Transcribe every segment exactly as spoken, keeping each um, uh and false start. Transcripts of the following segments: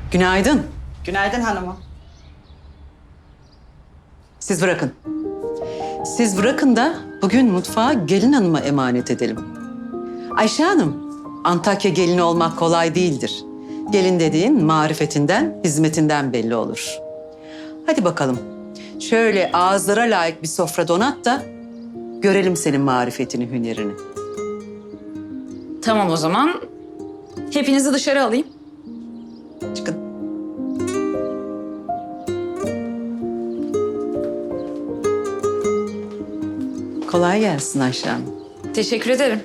Günaydın. Günaydın hanımım. Siz bırakın. Siz bırakın da bugün mutfağı gelin hanıma emanet edelim. Ayşe Hanım, Antakya gelini olmak kolay değildir. Gelin dediğin marifetinden, hizmetinden belli olur. Hadi bakalım. Şöyle ağızlara layık bir sofra donat da görelim senin marifetini, hünerini. Tamam o zaman. Hepinizi dışarı alayım. Çıkın. Kolay gelsin Ayşe Hanım. Teşekkür ederim.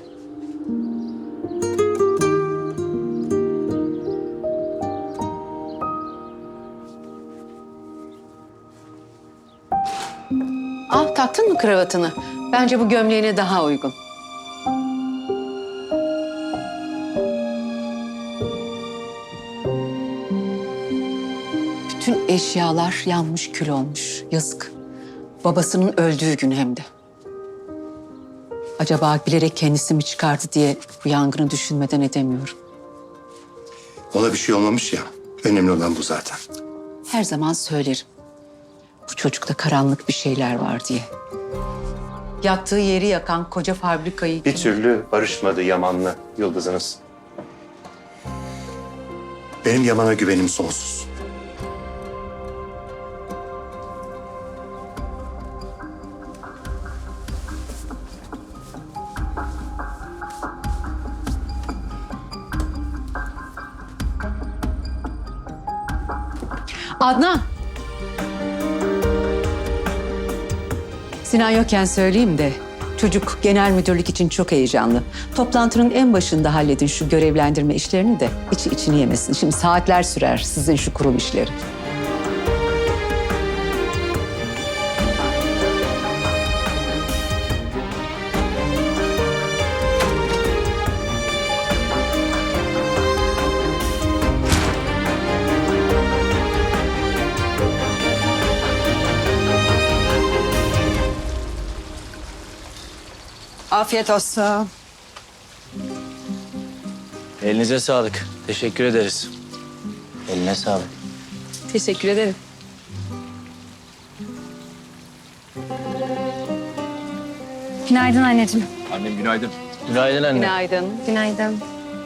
Ah, taktın mı kravatını? Bence bu gömleğine daha uygun. Bütün eşyalar yanmış, kül olmuş. Yazık. Babasının öldüğü gün hem de. Acaba bilerek kendisi mi çıkardı diye bu yangını düşünmeden edemiyorum. Ona bir şey olmamış ya. Önemli olan bu zaten. Her zaman söylerim. Bu çocukta karanlık bir şeyler var diye. Yattığı yeri yakan koca fabrikayı... Bir türlü barışmadı Yaman'la Yıldız'ınız. Benim Yaman'a güvenim sonsuz. Adnan! Sinan yokken söyleyeyim de çocuk genel müdürlük için çok heyecanlı. Toplantının en başında halledin şu görevlendirme işlerini de içi içini yemesin. Şimdi saatler sürer sizin şu kurul işleri. Afiyet olsun. Elinize sağlık. Teşekkür ederiz. Eline sağlık. Teşekkür ederim. Günaydın anneciğim. Annem günaydın. Günaydın anne. Günaydın. Günaydın.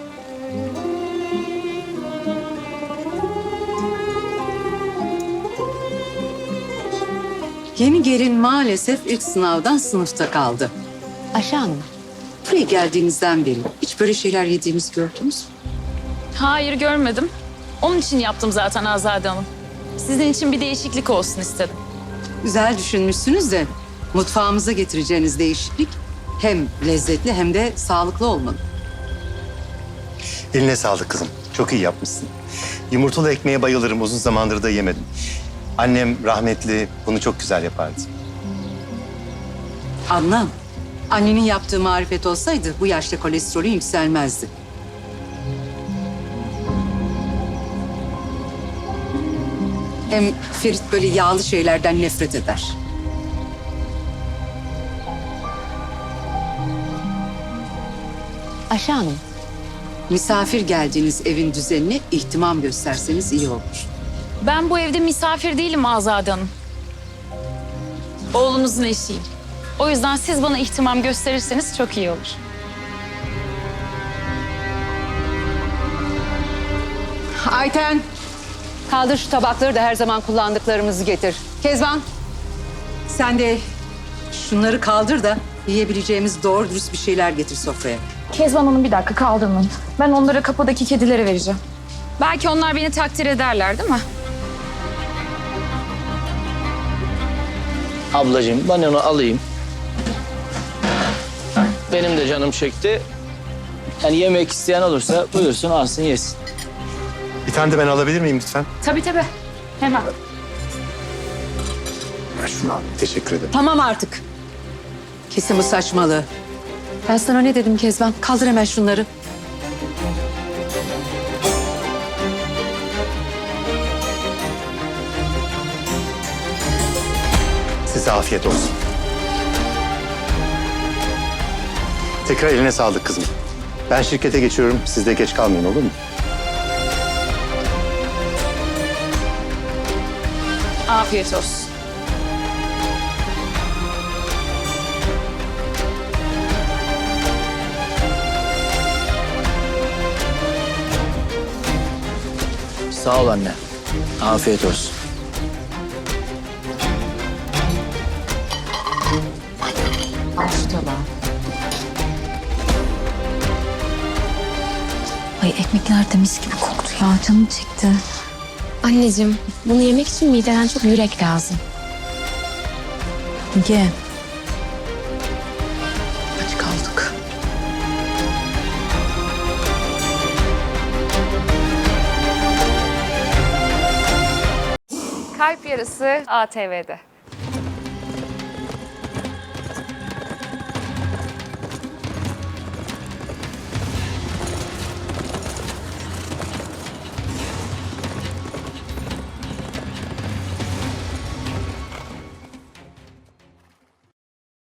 Yeni gelin maalesef ilk sınavdan sınıfta kaldı. Ayşe Hanım, buraya geldiğinizden beri hiç böyle şeyler yediğimizi gördünüz mü? Hayır görmedim. Onun için yaptım zaten Azade Hanım. Sizin için bir değişiklik olsun istedim. Güzel düşünmüşsünüz de mutfağımıza getireceğiniz değişiklik hem lezzetli hem de sağlıklı olmalı. Eline sağlık kızım. Çok iyi yapmışsın. Yumurtalı ekmeğe bayılırım. Uzun zamandır da yemedim. Annem rahmetli bunu çok güzel yapardı. Adnan, annenin yaptığı marifet olsaydı bu yaşta kolesterolün yükselmezdi. Hem Ferit böyle yağlı şeylerden nefret eder. Ayşe Hanım, misafir geldiğiniz evin düzenine ihtimam gösterseniz iyi olur. Ben bu evde misafir değilim Azade Hanım. Oğlunuzun eşiyim. O yüzden siz bana ihtimam gösterirseniz çok iyi olur. Ayten, kaldır şu tabakları da her zaman kullandıklarımızı getir. Kezban, sen de şunları kaldır da yiyebileceğimiz doğru dürüst bir şeyler getir sofraya. Kezban Hanım bir dakika kaldırmayın. Ben onları kapıdaki kedilere vereceğim. Belki onlar beni takdir ederler değil mi? Ablacığım ben onu alayım. Benim de canım çekti. Yani yemek isteyen olursa buyursun alsın yesin. Bir tane de ben alabilir miyim lütfen? Tabii tabii. Hemen. Ben şunu alayım. Teşekkür ederim. Tamam artık. Kesin bu saçmalığı. Ben sana ne dedim Kezban? Kaldır hemen şunları. Size afiyet olsun. Tekrar eline sağlık kızım. Ben şirkete geçiyorum. Siz de geç kalmayın olur mu? Afiyet olsun. Sağ ol anne. Afiyet olsun. Ay ekmekler de mis gibi koktu ya. Canım çekti. Anneciğim, bunu yemek için mideden çok yürek lazım. Ye. Aç kaldık. Kalp Yarısı A T V'de.